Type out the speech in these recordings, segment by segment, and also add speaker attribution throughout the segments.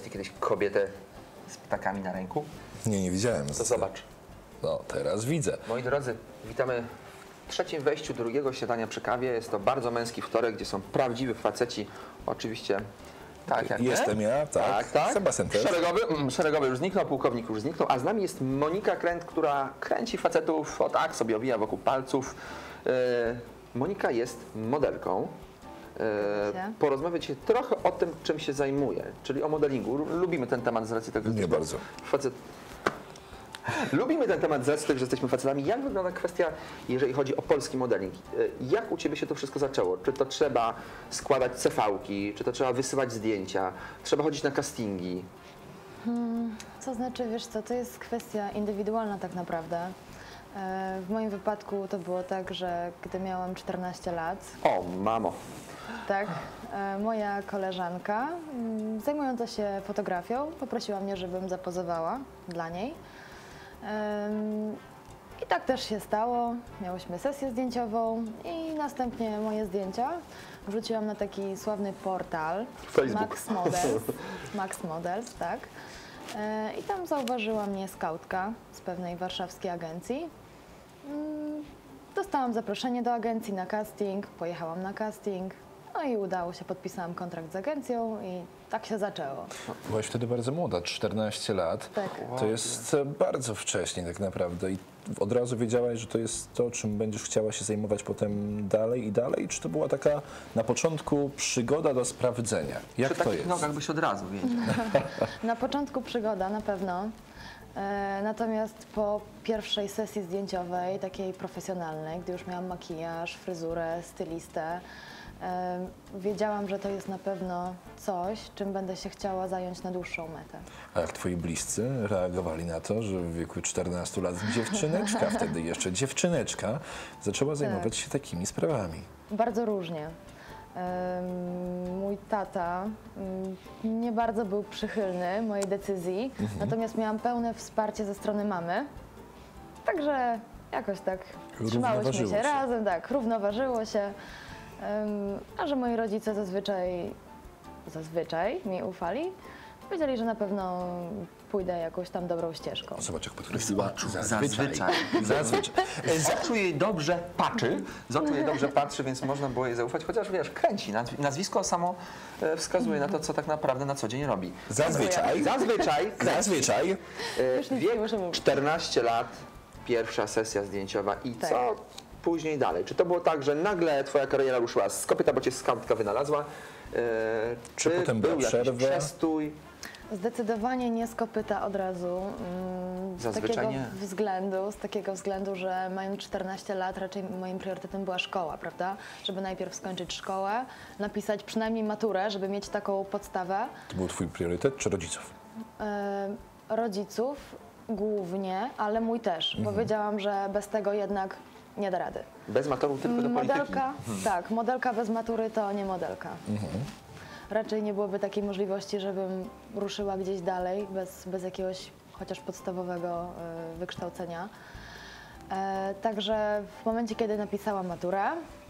Speaker 1: ty kiedyś kobietę z ptakami na ręku?
Speaker 2: Nie widziałem.
Speaker 1: To zobacz.
Speaker 2: No, teraz widzę.
Speaker 1: Moi drodzy, witamy w trzecim wejściu drugiego śniadania przy kawie. Jest to bardzo męski wtorek, gdzie są prawdziwi faceci. Oczywiście tak jak
Speaker 2: Jestem
Speaker 1: my.
Speaker 2: ja, tak. Sebastian też.
Speaker 1: Szeregowy już zniknął, pułkownik już zniknął, a z nami jest Monika Kręt, która kręci facetów, o tak, sobie owija wokół palców. Monika jest modelką. Porozmawiać się trochę o tym, czym się zajmuje, czyli o modelingu. Lubimy ten temat z racji tego, że
Speaker 2: Nie bardzo.
Speaker 1: Lubimy ten temat z racji tego, że jesteśmy facetami. Jak wygląda kwestia, jeżeli chodzi o polski modeling? Jak u Ciebie się to wszystko zaczęło? Czy to trzeba składać CV-ki, czy to trzeba wysyłać zdjęcia, trzeba chodzić na castingi?
Speaker 3: Co znaczy, wiesz co, to jest kwestia indywidualna tak naprawdę. W moim wypadku to było tak, że gdy miałam 14 lat,
Speaker 1: O, mamo.
Speaker 3: tak, moja koleżanka zajmująca się fotografią poprosiła mnie, żebym zapozowała dla niej. I tak też się stało. Miałyśmy sesję zdjęciową i następnie moje zdjęcia wrzuciłam na taki sławny portal
Speaker 1: Facebook.
Speaker 3: Max Models, tak. I tam zauważyła mnie skautka z pewnej warszawskiej agencji. Dostałam zaproszenie do agencji na casting, pojechałam na casting, no i udało się, podpisałam kontrakt z agencją i tak się zaczęło.
Speaker 2: Byłaś wtedy bardzo młoda, 14 lat.
Speaker 3: Tak.
Speaker 2: To jest bardzo wcześnie tak naprawdę i od razu wiedziałaś, że to jest to, czym będziesz chciała się zajmować potem dalej i dalej? Czy to była taka na początku przygoda do sprawdzenia? Jak
Speaker 1: Przy
Speaker 2: to
Speaker 1: takich
Speaker 2: jest?
Speaker 1: nogach byś od razu wiedział.
Speaker 3: Na początku przygoda na pewno, natomiast po pierwszej sesji zdjęciowej, takiej profesjonalnej, gdy już miałam makijaż, fryzurę, stylistę, wiedziałam, że to jest na pewno coś, czym będę się chciała zająć na dłuższą metę.
Speaker 2: A jak twoi bliscy reagowali na to, że w wieku 14 lat dziewczyneczka, wtedy jeszcze dziewczyneczka, zaczęła zajmować się takimi sprawami?
Speaker 3: Bardzo różnie. Mój tata nie bardzo był przychylny mojej decyzji, natomiast miałam pełne wsparcie ze strony mamy, także jakoś tak trzymałyśmy się razem, tak, równoważyło się. A że moi rodzice zazwyczaj mi ufali, powiedzieli, że na pewno pójdę jakąś tam dobrą ścieżką.
Speaker 2: Zobacz, jak podkreśliła.
Speaker 1: Zazwyczaj. Z oczu jej dobrze patrzy, więc można było jej zaufać, chociaż wiesz, kręci. Nazwisko samo wskazuje na to, co tak naprawdę na co dzień robi.
Speaker 2: Zazwyczaj.
Speaker 1: Wiek 14 lat, pierwsza sesja zdjęciowa i
Speaker 3: Tak.
Speaker 1: co później dalej? Czy to było tak, że nagle twoja kariera ruszyła z kopyta, bo cię skautka wynalazła?
Speaker 2: Czy potem była
Speaker 1: był jakiś
Speaker 2: przerwa?
Speaker 1: przestój?
Speaker 3: Zdecydowanie nie z kopyta od razu.
Speaker 1: Zazwyczaj nie.
Speaker 3: Z takiego względu, że mając 14 lat raczej moim priorytetem była szkoła, prawda? Żeby najpierw skończyć szkołę, napisać przynajmniej maturę, żeby mieć taką podstawę.
Speaker 2: To był twój priorytet, czy rodziców?
Speaker 3: Rodziców głównie, ale mój też, bo wiedziałam, że bez tego jednak nie da rady.
Speaker 1: Bez matoru tylko do polityki.
Speaker 3: Modelka, tak, modelka bez matury to nie modelka. Raczej nie byłoby takiej możliwości, żebym ruszyła gdzieś dalej bez jakiegoś chociaż podstawowego wykształcenia. Także w momencie, kiedy napisałam maturę,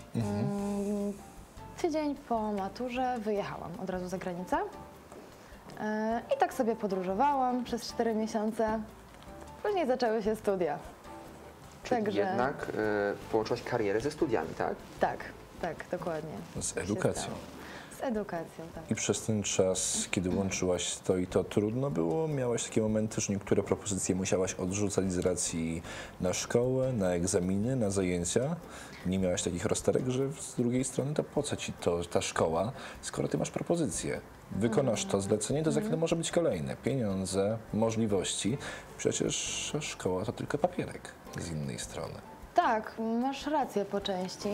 Speaker 3: tydzień po maturze wyjechałam od razu za granicę i tak sobie podróżowałam przez 4 miesiące. Później zaczęły się studia.
Speaker 1: Czyli jednak połączyłaś karierę ze studiami, tak?
Speaker 3: Tak, dokładnie.
Speaker 2: Z edukacją.
Speaker 3: Z edukacją, tak.
Speaker 2: I przez ten czas, kiedy łączyłaś to i to, trudno było? Miałaś takie momenty, że niektóre propozycje musiałaś odrzucać z racji na szkołę, na egzaminy, na zajęcia? Nie miałaś takich rozterek, że z drugiej strony to po co ci ta szkoła, skoro ty masz propozycję? Wykonasz to zlecenie, to za chwilę może być kolejne. Pieniądze, możliwości. Przecież szkoła to tylko papierek z innej strony.
Speaker 3: Tak, masz rację po części.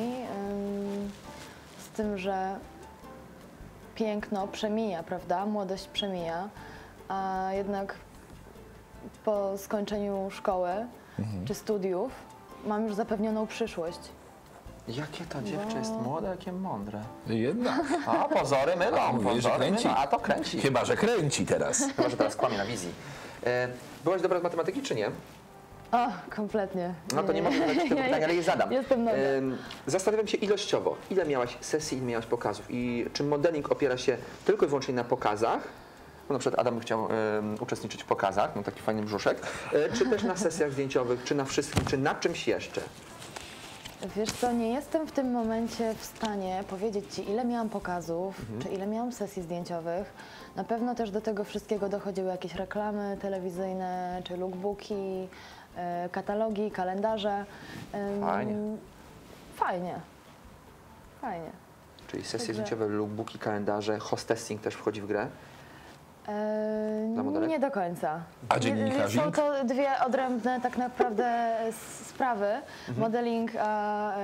Speaker 3: Z tym, że piękno przemija, prawda? Młodość przemija, a jednak po skończeniu szkoły czy studiów mam już zapewnioną przyszłość.
Speaker 1: Jakie to dziewczę jest młode, jakie mądre.
Speaker 2: Jednak.
Speaker 1: A pozory mylą,
Speaker 2: Mówisz, że kręci.
Speaker 1: a to kręci.
Speaker 2: Chyba, że kręci teraz.
Speaker 1: Chyba, że teraz kłamie na wizji. Byłaś dobra z matematyki, czy nie?
Speaker 3: O, kompletnie.
Speaker 1: No to nie mogę zadać tego pytania, ale je zadam.
Speaker 3: Jestem nowa.
Speaker 1: Zastanawiam się ilościowo, ile miałaś sesji, ile miałaś pokazów i czy modeling opiera się tylko i wyłącznie na pokazach, bo na przykład Adam chciał uczestniczyć w pokazach, no taki fajny brzuszek, czy też na sesjach zdjęciowych, czy na wszystkim, czy na czymś jeszcze?
Speaker 3: Wiesz co, nie jestem w tym momencie w stanie powiedzieć Ci, ile miałam pokazów, czy ile miałam sesji zdjęciowych. Na pewno też do tego wszystkiego dochodziły jakieś reklamy telewizyjne, czy lookbooki, katalogi, kalendarze.
Speaker 1: Fajnie.
Speaker 3: Fajnie. Fajnie.
Speaker 1: Czyli sesje
Speaker 3: Także-
Speaker 1: zdjęciowe, lookbooki, kalendarze, hostessing też wchodzi w grę? Dla modelek?
Speaker 3: Nie do końca.
Speaker 2: A dziennikarzyk?
Speaker 3: Są to dwie odrębne tak naprawdę sprawy. Modeling a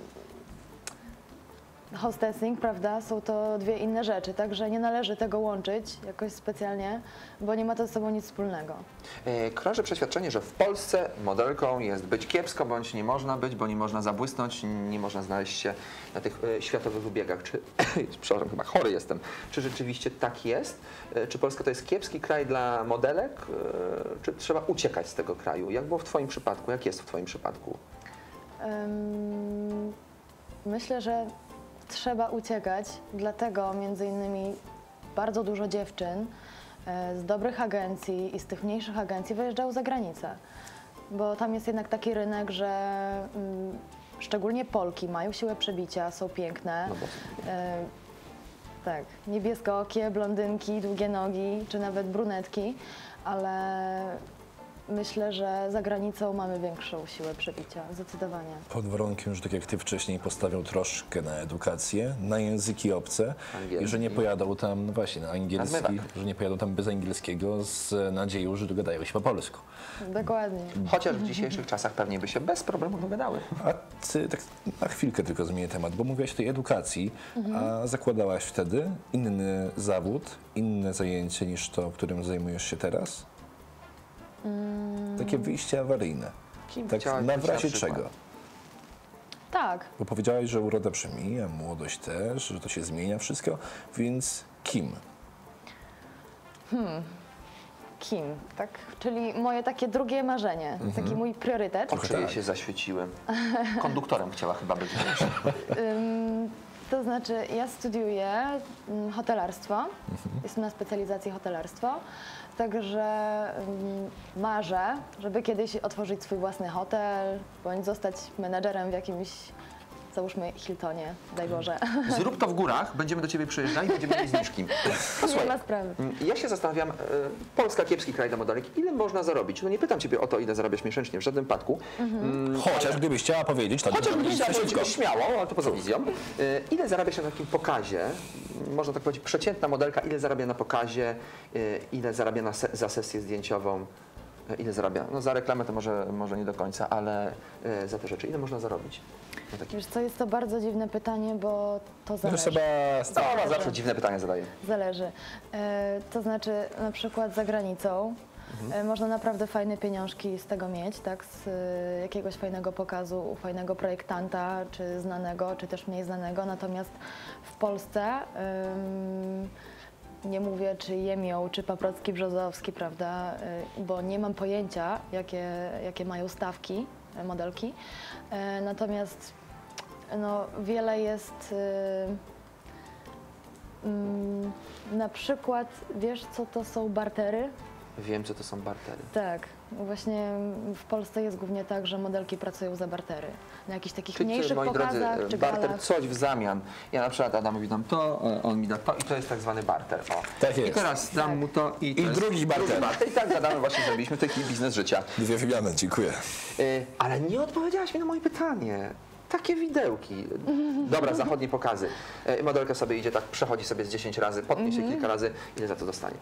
Speaker 3: hostessing, prawda? Są to dwie inne rzeczy, także nie należy tego łączyć jakoś specjalnie, bo nie ma to ze sobą nic wspólnego.
Speaker 1: Krąży przeświadczenie, że w Polsce modelką jest być kiepsko, bądź nie można być, bo nie można zabłysnąć, nie można znaleźć się na tych światowych wybiegach. Czy, przepraszam, chyba chory jestem. Czy rzeczywiście tak jest? Czy Polska to jest kiepski kraj dla modelek? Czy trzeba uciekać z tego kraju? Jak było w Twoim przypadku? Jak jest w Twoim przypadku?
Speaker 3: Myślę, że trzeba uciekać, dlatego między innymi bardzo dużo dziewczyn z dobrych agencji i z tych mniejszych agencji wyjeżdżało za granicę, bo tam jest jednak taki rynek, że szczególnie Polki mają siłę przebicia, są piękne.
Speaker 1: No bo
Speaker 3: Tak, niebieskookie, blondynki, długie nogi, czy nawet brunetki, ale myślę, że za granicą mamy większą siłę przebicia, zdecydowanie.
Speaker 2: Pod warunkiem, że tak jak ty wcześniej postawią troszkę na edukację, na języki obce
Speaker 1: Angielski.
Speaker 2: i że nie pojadą tam, no właśnie, na angielski,
Speaker 1: zmywak.
Speaker 2: że nie pojadą tam bez angielskiego z nadzieją, że dogadają się po polsku.
Speaker 3: Dokładnie.
Speaker 1: chociaż w dzisiejszych czasach pewnie by się bez problemu dogadały.
Speaker 2: A ty, tak na chwilkę tylko zmienię temat, bo mówiłaś o tej edukacji, a zakładałaś wtedy inny zawód, inne zajęcie niż to, którym zajmujesz się teraz? Takie wyjście awaryjne.
Speaker 1: Kim
Speaker 2: Tak
Speaker 1: chciałaś
Speaker 2: na
Speaker 1: być
Speaker 2: w razie
Speaker 1: na przykład?
Speaker 2: czego?
Speaker 3: Tak,
Speaker 2: Bo powiedziałaś, że uroda przemija, młodość też, że to się zmienia wszystko, więc kim?
Speaker 3: kim, tak? Czyli moje takie drugie marzenie, taki mój priorytet.
Speaker 1: Oczy jej się zaświeciły. Konduktorem chciała chyba być.
Speaker 3: To znaczy, ja studiuję hotelarstwo, jestem na specjalizacji hotelarstwo, także marzę, żeby kiedyś otworzyć swój własny hotel, bądź zostać menadżerem w jakimś, załóżmy, Hiltonie, daj Boże.
Speaker 1: Zrób to w górach, będziemy do Ciebie przyjeżdżali, będziemy mieli zniżki.
Speaker 3: Nie ma sprawy.
Speaker 1: Ja się zastanawiam, Polska kiepski kraj dla modelek, ile można zarobić? No nie pytam Ciebie o to, ile zarabiasz miesięcznie, w żadnym wypadku.
Speaker 2: Chociaż gdybyś chciała powiedzieć, to
Speaker 1: Chociaż
Speaker 2: nie
Speaker 1: byś chciała
Speaker 2: wszystko.
Speaker 1: powiedzieć śmiało, ale to poza wizją. Ile zarabiasz na takim pokazie? Można tak powiedzieć, przeciętna modelka, ile zarabia na pokazie, ile zarabia za sesję zdjęciową? Ile zarabia? No za reklamę to może nie do końca, ale za te rzeczy. Ile można zarobić? Na takim...
Speaker 3: Wiesz co, jest to bardzo dziwne pytanie, bo to
Speaker 2: No
Speaker 3: zależy.
Speaker 2: Sebastian.
Speaker 1: Ona zawsze dziwne pytania zadaje.
Speaker 3: Zależy. To znaczy, na przykład za granicą można naprawdę fajne pieniążki z tego mieć, tak? Z jakiegoś fajnego pokazu, u fajnego projektanta, czy znanego, czy też mniej znanego. Natomiast w Polsce nie mówię, czy Jemioł, czy Paprocki Brzozowski, prawda? Bo nie mam pojęcia, jakie mają stawki modelki. Natomiast no, wiele jest. Na przykład, wiesz, co to są bartery?
Speaker 1: Wiem, co to są bartery.
Speaker 3: Tak, właśnie w Polsce jest głównie tak, że modelki pracują za bartery. Na jakichś takich
Speaker 1: Czyli,
Speaker 3: mniejszych
Speaker 1: moi
Speaker 3: pokazach
Speaker 1: drodzy,
Speaker 3: czy
Speaker 1: barter,
Speaker 3: galach.
Speaker 1: coś w zamian. Ja na przykład Adamowi dam to, on mi da to i to jest tak zwany barter. O.
Speaker 2: Tak jest.
Speaker 1: I teraz dam mu to i to
Speaker 2: I
Speaker 1: jest
Speaker 2: drugi barter.
Speaker 1: I tak gadamy, właśnie zrobiliśmy taki biznes życia.
Speaker 2: Dwie wymiany, dziękuję.
Speaker 1: Ale nie odpowiedziałaś mi na moje pytanie. Takie widełki. Dobra, zachodnie pokazy. Modelka sobie idzie tak, przechodzi sobie z 10 razy, potnie się kilka razy. Ile za to dostanie?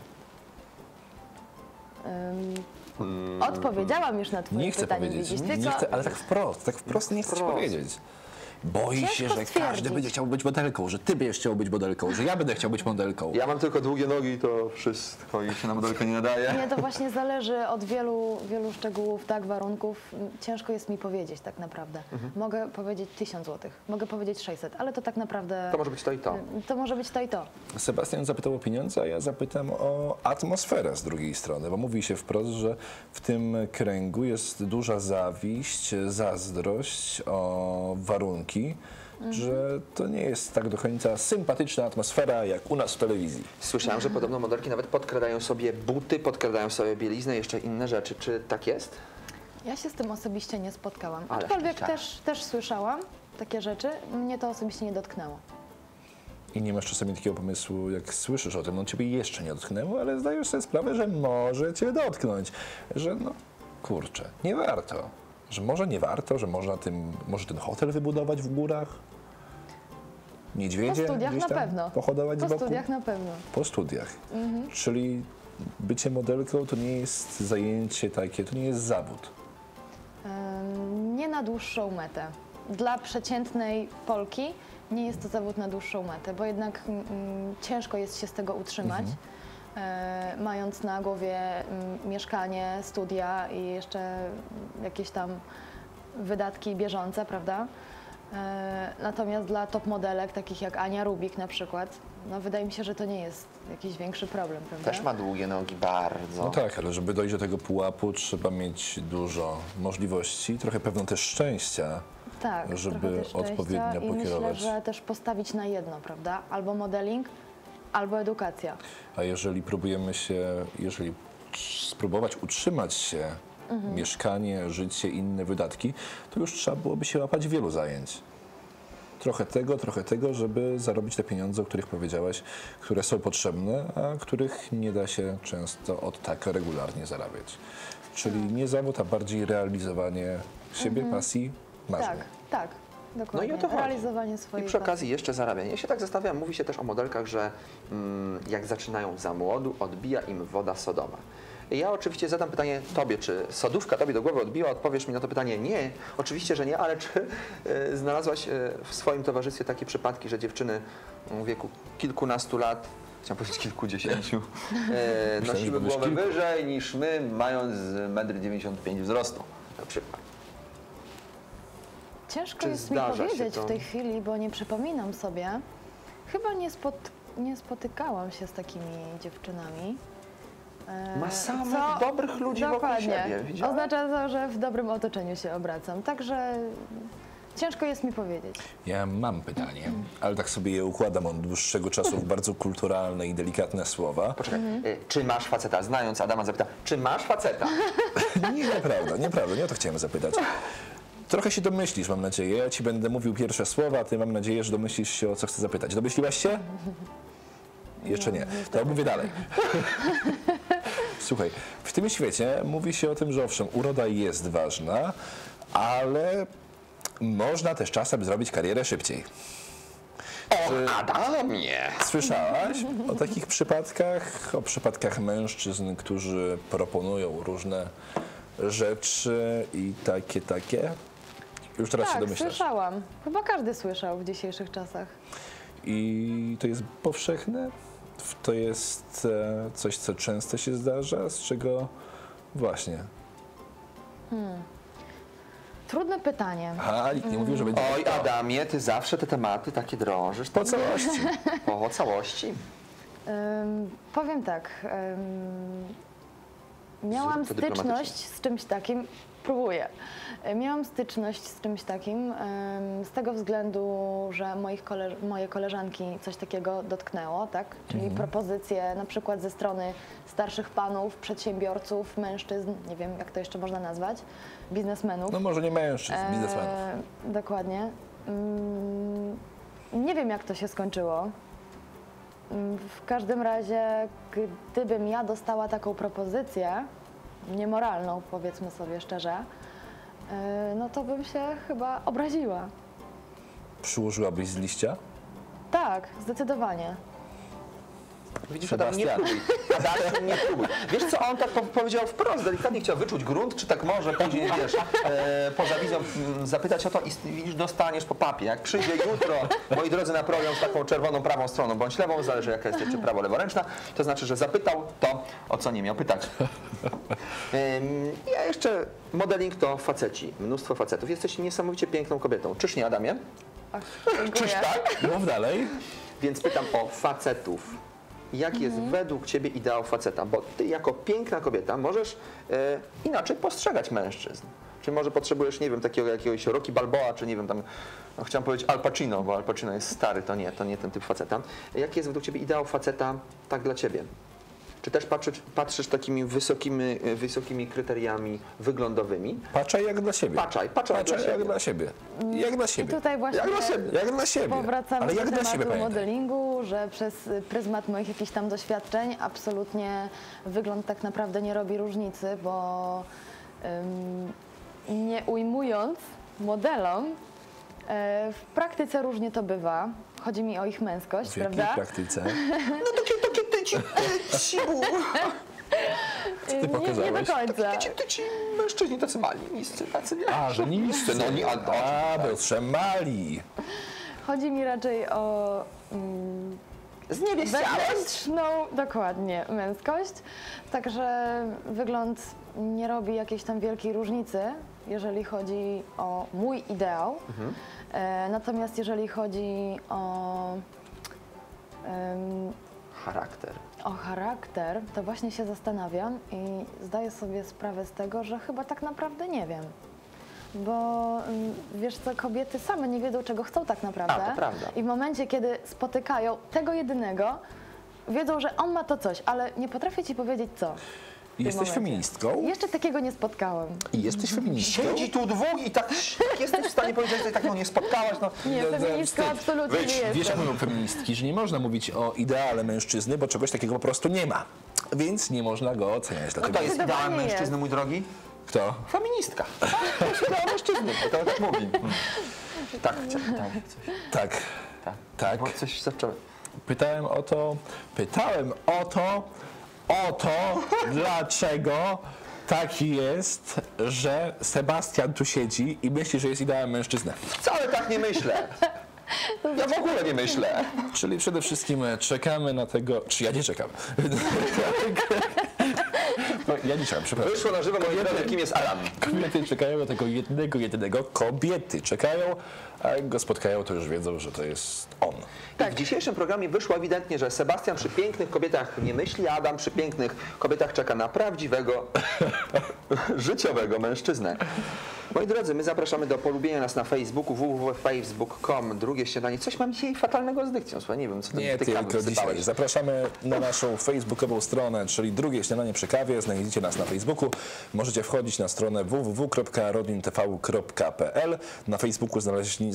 Speaker 3: Odpowiedziałam już na twoje
Speaker 2: Nie chcę
Speaker 3: pytanie,
Speaker 2: powiedzieć,
Speaker 3: widzisz,
Speaker 2: nie
Speaker 3: tylko
Speaker 2: chcę, ale tak wprost nie chcę ci
Speaker 1: Wprost.
Speaker 2: powiedzieć. Boi się,
Speaker 3: Ciężko
Speaker 2: że
Speaker 3: stwierdzić.
Speaker 2: każdy będzie chciał być modelką, że ty będziesz chciał być modelką, że ja będę chciał być modelką.
Speaker 1: Ja mam tylko długie nogi, to wszystko i się na modelkę nie nadaje.
Speaker 3: nie, to właśnie zależy od wielu szczegółów, tak, warunków. Ciężko jest mi powiedzieć tak naprawdę. Mogę powiedzieć 1000 zł, mogę powiedzieć 600, ale to tak naprawdę...
Speaker 1: To może być to i to.
Speaker 3: To może być to i to.
Speaker 2: Sebastian zapytał o pieniądze, a ja zapytam o atmosferę z drugiej strony, bo mówi się wprost, że w tym kręgu jest duża zawiść, zazdrość o warunki że to nie jest tak do końca sympatyczna atmosfera jak u nas w telewizji.
Speaker 1: Słyszałem, że podobno modelki nawet podkradają sobie buty, podkradają sobie bieliznę, jeszcze inne rzeczy. Czy tak jest?
Speaker 3: Ja się z tym osobiście nie spotkałam,
Speaker 1: Ale
Speaker 3: aczkolwiek
Speaker 1: szczęścia.
Speaker 3: też słyszałam takie rzeczy. Mnie to osobiście nie dotknęło.
Speaker 2: I nie masz czasami takiego pomysłu, jak słyszysz o tym, no ciebie jeszcze nie dotknęło, ale zdajesz sobie sprawę, że może cię dotknąć, że no kurczę, nie warto, że może nie warto, że można może ten hotel wybudować w górach, niedźwiedzie
Speaker 3: Po studiach
Speaker 2: gdzieś
Speaker 3: na
Speaker 2: tam
Speaker 3: pewno.
Speaker 2: pohodować z
Speaker 3: Po
Speaker 2: boku.
Speaker 3: studiach na pewno.
Speaker 2: Po studiach. Czyli bycie modelką to nie jest zajęcie takie, to nie jest zawód.
Speaker 3: Nie na dłuższą metę. Dla przeciętnej Polki nie jest to zawód na dłuższą metę, bo jednak ciężko jest się z tego utrzymać, mając na głowie mieszkanie, studia i jeszcze jakieś tam wydatki bieżące, prawda? Natomiast dla top modelek, takich jak Ania Rubik na przykład, no wydaje mi się, że to nie jest jakiś większy problem, prawda?
Speaker 1: Też ma długie nogi, bardzo.
Speaker 2: No tak, ale żeby dojść do tego pułapu, trzeba mieć dużo możliwości, trochę pewno też szczęścia,
Speaker 3: Tak,
Speaker 2: żeby
Speaker 3: trochę też szczęścia
Speaker 2: odpowiednio
Speaker 3: i
Speaker 2: pokierować.
Speaker 3: myślę, że też postawić na jedno, prawda? Albo modeling, albo edukacja.
Speaker 2: A jeżeli spróbować utrzymać się, mieszkanie, życie, inne wydatki, to już trzeba byłoby się łapać wielu zajęć. Trochę tego, żeby zarobić te pieniądze, o których powiedziałaś, które są potrzebne, a których nie da się często od tak regularnie zarabiać. Czyli nie zawód, a bardziej realizowanie siebie, pasji, marzeń.
Speaker 3: Tak, dokładnie.
Speaker 1: No i o to chodzi.
Speaker 3: Realizowanie
Speaker 1: I
Speaker 3: swojej
Speaker 1: przy okazji jeszcze zarabianie. Ja się tak zastanawiam, mówi się też o modelkach, że jak zaczynają za młodu, odbija im woda sodowa. I ja oczywiście zadam pytanie tobie, czy sodówka tobie do głowy odbiła? Odpowiesz mi na to pytanie nie, oczywiście, że nie, ale czy znalazłaś w swoim towarzystwie takie przypadki, że dziewczyny w wieku kilkunastu lat, chciałem powiedzieć kilkudziesięciu, nosiły głowę wyżej niż my, mając 1,95 m wzrostu na przykład?
Speaker 3: Ciężko
Speaker 1: Czy
Speaker 3: jest mi
Speaker 1: zdarza się
Speaker 3: powiedzieć
Speaker 1: to?
Speaker 3: w tej chwili, bo nie przypominam sobie. Chyba nie spotykałam się z takimi dziewczynami.
Speaker 1: Ma samych dobrych ludzi wokół
Speaker 3: dokładnie.
Speaker 1: siebie. Widziałeś?
Speaker 3: Oznacza to, że w dobrym otoczeniu się obracam. Także ciężko jest mi powiedzieć.
Speaker 2: Ja mam pytanie, ale tak sobie je układam od dłuższego czasu w bardzo kulturalne i delikatne słowa.
Speaker 1: Poczekaj, czy masz faceta? Znając Adama zapyta, czy masz faceta?
Speaker 2: Nieprawda, nie o to chciałem zapytać. Trochę się domyślisz, mam nadzieję. Ja ci będę mówił pierwsze słowa, a ty mam nadzieję, że domyślisz się, o co chcę zapytać. Domyśliłaś się? Jeszcze nie. To mówię dalej. Słuchaj, w tym świecie mówi się o tym, że owszem, uroda jest ważna, ale można też czasem zrobić karierę szybciej.
Speaker 1: O, Adamie!
Speaker 2: Słyszałaś o takich przypadkach, o przypadkach mężczyzn, którzy proponują różne rzeczy i takie? Już teraz się
Speaker 3: Tak,
Speaker 2: domyślasz.
Speaker 3: słyszałam. Chyba każdy słyszał w dzisiejszych czasach.
Speaker 2: I to jest powszechne? To jest coś, co często się zdarza? Z czego właśnie?
Speaker 3: Trudne pytanie.
Speaker 2: Aha, nikt nie mówił, że będzie...
Speaker 1: Oj, Adamie, ty zawsze te tematy takie drążysz.
Speaker 2: Po całości.
Speaker 1: Po całości.
Speaker 3: Powiem tak. Miałam
Speaker 1: Zrób to dyplomatycznie.
Speaker 3: styczność z czymś takim. Próbuję. Miałam styczność z czymś takim z tego względu, że moje koleżanki coś takiego dotknęło, tak? Czyli propozycje na przykład ze strony starszych panów, przedsiębiorców, mężczyzn, nie wiem jak to jeszcze można nazwać, biznesmenów.
Speaker 2: No może nie mężczyzn, biznesmenów.
Speaker 3: Dokładnie. Nie wiem jak to się skończyło. W każdym razie, gdybym ja dostała taką propozycję, niemoralną, powiedzmy sobie szczerze, no to bym się chyba obraziła.
Speaker 2: Przyłożyłabyś z liścia?
Speaker 3: Tak, zdecydowanie.
Speaker 1: Widzisz, Adam, nie próbuj. Adam, nie próbuj. Wiesz co, on tak powiedział wprost, delikatnie chciał wyczuć grunt, czy tak może później, wiesz, poza wizją zapytać o to i widzisz, dostaniesz po papie. Jak przyjdzie jutro, moi drodzy, na program z taką czerwoną prawą stroną bądź lewą, zależy jaka jest jeszcze prawo leworęczna, to znaczy, że zapytał to, o co nie miał pytać. Ja jeszcze, modeling to faceci, mnóstwo facetów. Jesteś niesamowicie piękną kobietą. Czyż nie, Adamie?
Speaker 3: Ach,
Speaker 1: Czyż tak?
Speaker 2: Mów dalej.
Speaker 1: Więc pytam o facetów. Jaki jest według ciebie ideał faceta? Bo ty jako piękna kobieta możesz inaczej postrzegać mężczyzn. Czy może potrzebujesz, nie wiem, takiego jakiegoś Rocky Balboa, czy nie wiem, tam, no, chciałem powiedzieć Al Pacino, bo Al Pacino jest stary, to nie ten typ faceta. Jaki jest według Ciebie ideał faceta tak dla Ciebie? Czy też patrzysz takimi wysokimi kryteriami wyglądowymi?
Speaker 2: Patrzaj jak dla siebie.
Speaker 1: Patrzaj
Speaker 2: Jak dla siebie. Jak dla
Speaker 3: I
Speaker 2: siebie.
Speaker 3: tutaj właśnie
Speaker 2: Jak dla siebie.
Speaker 3: powracamy
Speaker 2: Ale
Speaker 3: do
Speaker 2: jak dla siebie,
Speaker 3: tematu
Speaker 2: pamiętaj.
Speaker 3: modelingu, że przez pryzmat moich jakichś tam doświadczeń absolutnie wygląd tak naprawdę nie robi różnicy, bo nie ujmując modelom, w praktyce różnie to bywa. Chodzi mi o ich męskość,
Speaker 2: W jakiej
Speaker 3: prawda?
Speaker 2: praktyce?
Speaker 1: No takie tyci,
Speaker 2: Ty
Speaker 3: Nie
Speaker 2: pokazałeś?
Speaker 3: do końca.
Speaker 1: tyci mężczyźni tacy mali, niscy, tacy nie.
Speaker 2: A, że niscy.
Speaker 1: No nie,
Speaker 2: A, Piotrze, mali.
Speaker 3: Chodzi mi raczej o wewnętrzną, dokładnie, męskość. Także wygląd nie robi jakiejś tam wielkiej różnicy, jeżeli chodzi o mój ideał. Natomiast jeżeli chodzi o charakter, to właśnie się zastanawiam i zdaję sobie sprawę z tego, że chyba tak naprawdę nie wiem. Bo wiesz co, kobiety same nie wiedzą, czego chcą tak naprawdę.
Speaker 1: A, to prawda.
Speaker 3: I w momencie, kiedy spotykają tego jedynego, wiedzą, że on ma to coś, ale nie potrafię ci powiedzieć co. w tym
Speaker 2: Jesteś
Speaker 3: momencie.
Speaker 2: feministką?
Speaker 3: Jeszcze takiego nie spotkałem.
Speaker 2: I jesteś feministką?
Speaker 1: Siedzi tu dwóch i tak jesteś w stanie powiedzieć, że tak nie spotkałaś. No.
Speaker 3: Nie, feministką absolutnie nie
Speaker 2: Wiesz, jak
Speaker 3: jestem.
Speaker 2: mówią feministki, że nie można mówić o ideale mężczyzny, bo czegoś takiego po prostu nie ma. Więc nie można go oceniać.
Speaker 1: Kto
Speaker 2: Dlatego
Speaker 1: jest ideałem
Speaker 3: Zdecydowanie
Speaker 1: mężczyzny,
Speaker 3: jest.
Speaker 1: mój drogi?
Speaker 2: Kto?
Speaker 1: Feministka. To jest ideał mężczyzny, to tak mówi. Tak, chciałem coś.
Speaker 2: Tak. Tak.
Speaker 1: Bo coś zacząłem.
Speaker 2: Pytałem o to, dlaczego tak jest, że Sebastian tu siedzi i myśli, że jest ideałem mężczyzny.
Speaker 1: Wcale tak nie myślę. Ja w ogóle nie myślę.
Speaker 2: Czyli przede wszystkim czekamy na tego, czy ja nie czekam. No, ja nie czekam, przepraszam.
Speaker 1: Wyszło na żywo, moi drodzy, kim jest Alan.
Speaker 2: Kobiety czekają na tego jedynego. Kobiety czekają, a jak go spotkają, to już wiedzą, że to jest on.
Speaker 1: Tak, w dzisiejszym programie wyszło ewidentnie, że Sebastian przy pięknych kobietach nie myśli, a Adam przy pięknych kobietach czeka na prawdziwego, życiowego mężczyznę. Moi drodzy, my zapraszamy do polubienia nas na Facebooku, www.facebook.com, drugie śniadanie. Coś mam dzisiaj fatalnego z dykcją, słuchaj, nie wiem, co
Speaker 2: Nie
Speaker 1: ty kawy
Speaker 2: tylko dzisiaj.
Speaker 1: wsypałeś.
Speaker 2: Zapraszamy na naszą facebookową stronę, czyli drugie śniadanie przy kawie. Znajdziecie nas na Facebooku. Możecie wchodzić na stronę www.rodintv.pl. Na Facebooku znajdziecie.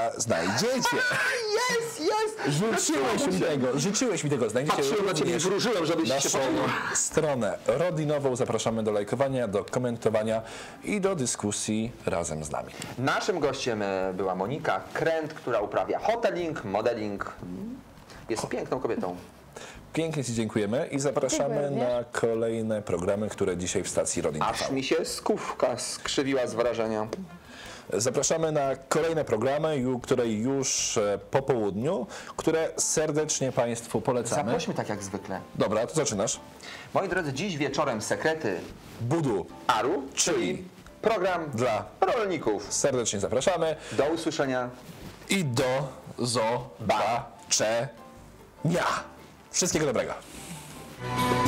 Speaker 2: Życzyłeś mi tego. Znajdziecie
Speaker 1: Patrzyłem na ciebie i
Speaker 2: również
Speaker 1: wróżyłem, żebyś się
Speaker 2: naszą
Speaker 1: pomylił.
Speaker 2: stronę rodzinową. Zapraszamy do lajkowania, do komentowania i do dyskusji razem z nami.
Speaker 1: Naszym gościem była Monika Kręt, która uprawia hoteling, modeling. Jest piękną kobietą.
Speaker 2: Pięknie Ci dziękujemy i zapraszamy
Speaker 3: Dziękuję
Speaker 2: na kolejne programy, które dzisiaj w stacji Rodin TV.
Speaker 1: Aż mi się skówka skrzywiła z wrażenia.
Speaker 2: Zapraszamy na kolejne programy, które już po południu, które serdecznie Państwu polecamy.
Speaker 1: Zaprośmy tak jak zwykle.
Speaker 2: Dobra, to zaczynasz.
Speaker 1: Moi drodzy, dziś wieczorem sekrety
Speaker 2: Budu.
Speaker 1: Aru,
Speaker 2: Czyli
Speaker 1: program
Speaker 2: dla
Speaker 1: rolników.
Speaker 2: serdecznie zapraszamy
Speaker 1: Do usłyszenia.
Speaker 2: i do zobaczenia. Wszystkiego dobrego.